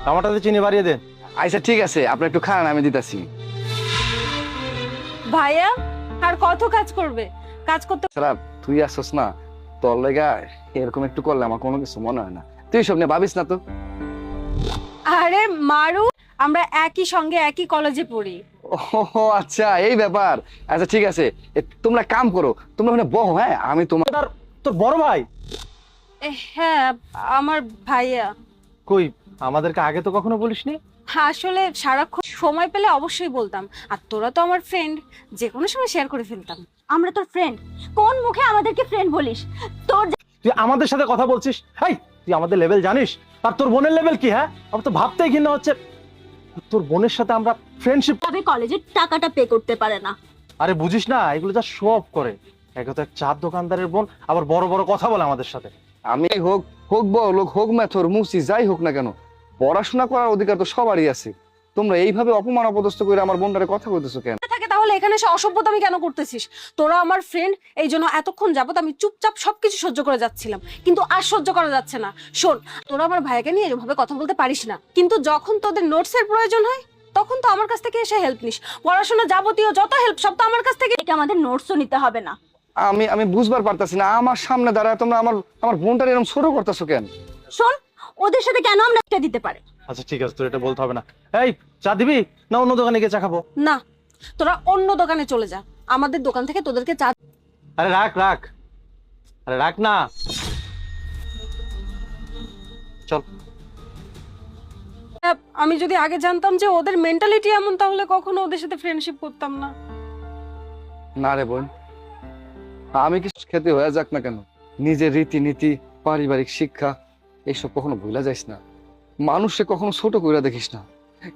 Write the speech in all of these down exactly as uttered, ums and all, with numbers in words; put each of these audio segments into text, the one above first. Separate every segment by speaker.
Speaker 1: টমেটোতে চিনি বাড়িয়ে দেন।
Speaker 2: আচ্ছা ঠিক আছে, আপনি একটু খান, আমি দিতেছি।
Speaker 3: ভাইয়া আর কত কাজ করবে? কাজ করতে
Speaker 2: সারা তুই আসছ না, তোর লেগা এরকম একটু করলে আমার কোনো কিছু মনে হয় না। তুই সব নিয়ে ভাবিস না তো।
Speaker 3: আরে মারু, আমরা একই সঙ্গে একই কলেজে পড়ি।
Speaker 2: ও আচ্ছা, এই ব্যাপার। আচ্ছা ঠিক আছে, এ, তোমরা কাম করো, তোমরা ওখানে বহো। হ্যাঁ, আমি তোমার
Speaker 1: তোর তোর বড় ভাই
Speaker 3: এ, হ্যাঁ আমার ভাইয়া।
Speaker 1: কই? আমাদেরকে আগে তো কখনো বলিসনি।
Speaker 3: আসলে সারাক্ষণ সময় পেলে অবশ্যই বলতাম, আর তোরা তো আমার ফ্রেন্ড, যে কোনো সময় শেয়ার করে ফেলতাম।
Speaker 4: আমরা তোর ফ্রেন্ড, কোন মুখে আমাদেরকে ফ্রেন্ড বলিস? তোর
Speaker 1: তুই আমাদের সাথে কথা বলছিস? হাই, তুই আমাদের লেভেল জানিস? আর তোর বোনের লেভেল কি? হ্যাঁ, আমার তো ভাবতেই ঘৃণা হচ্ছে তোর বোনের সাথে আমরা ফ্রেন্ডশিপ।
Speaker 4: যাবে কলেজের টাকাটা পে করতে পারে না।
Speaker 1: আরে বুঝিস না, এগুলো যা শো অফ করে। একে তো এক চার দোকানদারের বোন, আবার বড় বড় কথা বলে আমাদের সাথে।
Speaker 2: আমি হোক হোক বড় লোক, হোক মেথর মুসি, যাই হোক না কেন, পড়াশোনা করার অধিকার তো সবারই আছে। তোমরা এইভাবে অপমান অপদস্থ করে আমার বোনটারে কথা বলতেছো কেন?
Speaker 3: থাকে তাহলে এখানে এসে অসভ্যতামি কেন করতেছিস? তোরা আমার ফ্রেন্ড, এই জন্য এতক্ষণ যাবত আমি চুপচাপ সবকিছু সহ্য করে যাচ্ছিলাম, কিন্তু আর সহ্য করা যাচ্ছে না। শোন, তোরা আমার ভাইকে নিয়ে এভাবে কথা বলতে পারিস না, কিন্তু যখন তোদের নোটসের প্রয়োজন হয় তখন তো আমার কাছ থেকে এসে হেল্প নিস। পড়াশোনা যাবতীয় যত হেল্প সব তো আমার কাছ থেকে।
Speaker 4: এটা আমাদের নোটসও নিতে হবে না।
Speaker 2: আমি আমি বুঝবার পারতাছি না, আমার সামনে দাঁড়ায় তোমরা আমার আমার বোনটারে এরকম ছোট করতেছো কেন?
Speaker 4: শোন, ওদের সাথে কেন আমরা একটা দিতে পারে?
Speaker 1: আচ্ছা ঠিক আছে, তোর এটা বলতে হবে না। এই, চা দিবি না অন্য দোকানে গিয়ে চা খাবো?
Speaker 3: না, তোরা অন্য দোকানে চলে যা, আমাদের দোকান থেকে তোদেরকে চা।
Speaker 1: আরে রাখ রাখ, আরে রাখ না, চল।
Speaker 3: আমি যদি আগে জানতাম যে ওদের মেন্টালিটি এমন, তাহলে কখনো ওদের সাথে ফ্রেন্ডশিপ করতাম না।
Speaker 2: না রে বোন, আমি কিছু খেতে হয়ে যাক না কেন, নিজের রীতিনীতি, পারিবারিক শিক্ষা এইসব কখনো ভুলা যাইস না। মানুষকে কখনো ছোট কইরা দেখিস না।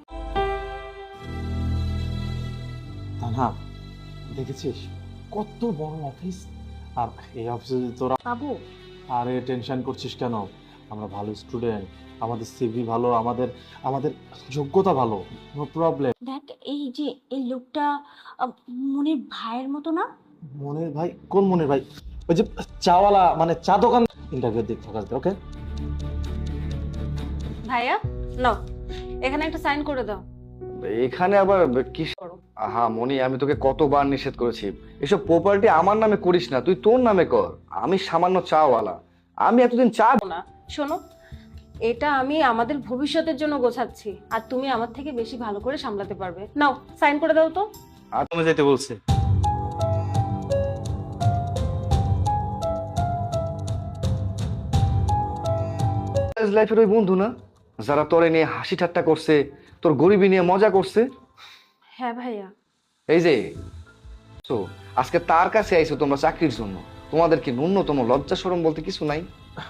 Speaker 1: না, দেখেছিস কত বড় অফিস, আর এই অফিসে তোরা।
Speaker 4: বাবু,
Speaker 1: আরে টেনশন করছিস কেন? আমরা ভালো স্টুডেন্ট, আমাদের সিভি ভালো, আমাদের আমাদের যোগ্যতা ভালো, নো প্রবলেম।
Speaker 4: দেখ এই যে এই লোকটা আহ, মনির ভাইয়ের মতো না?
Speaker 1: মনের ভাই? কোন মনের ভাই? ওই যে চাওয়ালা, মানে চা দোকান। ইন্টারভিউ দিক ফোকাস দে, ওকে?
Speaker 3: ভাইয়া নাও, এখানে একটা সাইন করে দাও।
Speaker 2: এখানে আবার কি? আহা মনি, আমি তোকে কতবার নিষেধ করেছি, এসব প্রপার্টি আমার নামে করিস না, তুই তোর নামে কর। আমি সামান্য চাওয়ালা, আমি এতদিন চা।
Speaker 3: না শোনো, এটা আমি আমাদের ভবিষ্যতের জন্য গোছাচ্ছি, আর তুমি আমার থেকে বেশি ভালো করে সামলাতে পারবে। নাও সাইন করে দাও তো।
Speaker 1: আর তুমি যেতে বলছে।
Speaker 2: লাইফের ওই বন্ধু না, যারা তোরে নিয়ে হাসি ঠাট্টা করছে, তোর গরিবি নিয়ে মজা করছে।
Speaker 3: হ্যাঁ ভাইয়া।
Speaker 2: এই যে তো আজকে তার কাছে আইছো তোমরা চাকরির জন্য, তোমাদের কি ন্যূনতম লজ্জা শরম বলতে কিছু নাই?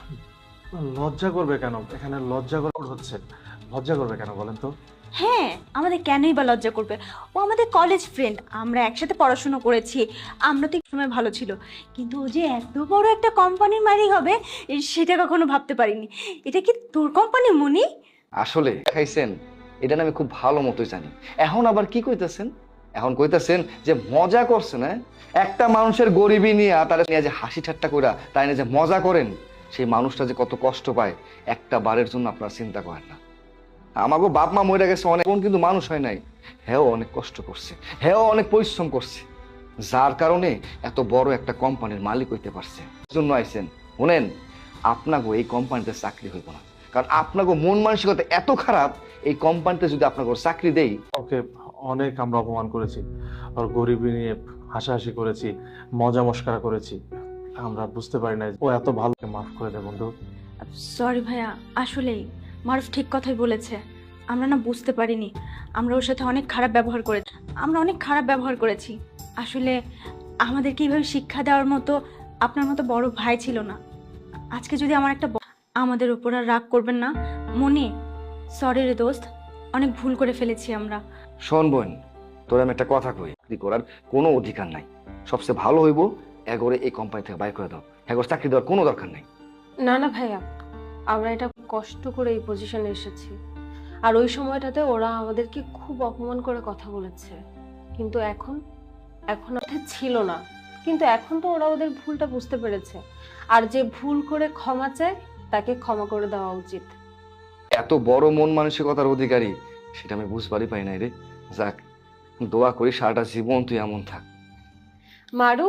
Speaker 1: লজ্জা করবে কেন? এখানে লজ্জা করা হচ্ছে, লজ্জা করবে কেন বলেন তো?
Speaker 4: হ্যাঁ, আমাদের কেনই বা লজ্জা করবে? ও আমাদের কলেজ ফ্রেন্ড, আমরা একসাথে পড়াশোনা করেছি, আমরা তো এক সময় ভালো ছিল, কিন্তু ও যে এত বড় একটা কোম্পানির মালিক হবে এ সেটা কখনো ভাবতে পারিনি। এটা কি তোর কোম্পানি মনি?
Speaker 2: আসলে খাইছেন, এটা না আমি খুব ভালো মতোই জানি। এখন আবার কি কইতাছেন? এখন কইতাছেন যে মজা করছেন। হ্যাঁ, একটা মানুষের গরিবি নিয়ে তারা নিয়ে যে হাসি ঠাট্টা কইরা তাই নিয়ে যে মজা করেন, সেই মানুষটা যে কত কষ্ট পায় একটা বারের জন্য আপনারা চিন্তা করেন না। আমাকে বাপ মা মরে গেছে অনেক, কিন্তু মানুষ হয় নাই। হ্যাঁ, অনেক কষ্ট করছে, হ্যাঁ অনেক পরিশ্রম করছে, যার কারণে এত বড় একটা কোম্পানির মালিক হইতে পারছে। জন্য আইছেন শুনেন, আপনাকে এই কোম্পানিতে চাকরি হইব না, কারণ আপনাকে মন মানসিকতা এত খারাপ। এই কোম্পানিতে যদি আপনাকে চাকরি দেই।
Speaker 1: ওকে, অনেক আমরা অপমান করেছি, আর গরিবি নিয়ে হাসাহাসি করেছি, মজা মস্করা করেছি, আমরা বুঝতে পারি না ও এত ভালো। মাফ করে দে বন্ধু।
Speaker 4: সরি ভাইয়া, আসলেই মারুফ ঠিক কথাই বলেছে, আমরা না বুঝতে পারিনি, আমরা ওর সাথে অনেক খারাপ ব্যবহার করেছি, আমরা অনেক খারাপ ব্যবহার করেছি। আসলে আমাদেরকে এইভাবে শিক্ষা দেওয়ার মতো আপনার মতো বড় ভাই ছিল না। আজকে যদি আমার একটা ব- আমাদের উপর আর রাগ করবেন না মনি। সরি রে দোস্ত, অনেক ভুল করে ফেলেছি আমরা।
Speaker 2: শোন বোন, তোর আমি একটা কথা কই, চাকরি করার কোনো অধিকার নাই। সবচেয়ে ভালো হইব এগোরে এই কোম্পানি থেকে বাইর করে দাও, এগোর চাকরি দেওয়ার কোনো দরকার নাই।
Speaker 3: না না ভাইয়া, আমরা এটা কষ্ট করে এই পজিশনে এসেছি, আর ওই সময়টাতে ওরা আমাদেরকে খুব অপমান করে কথা বলেছে, কিন্তু এখন এখন ওদের ছিল না, কিন্তু এখন তো ওরা ওদের ভুলটা বুঝতে পেরেছে, আর যে ভুল করে ক্ষমা চায় তাকে ক্ষমা করে দেওয়া উচিত।
Speaker 2: এত বড় মন মানসিকতার অধিকারী সেটা আমি বুঝবারই পাই নাই রে। যাক, দোয়া করি সারাটা জীবন তুই এমন থাক।
Speaker 3: মারু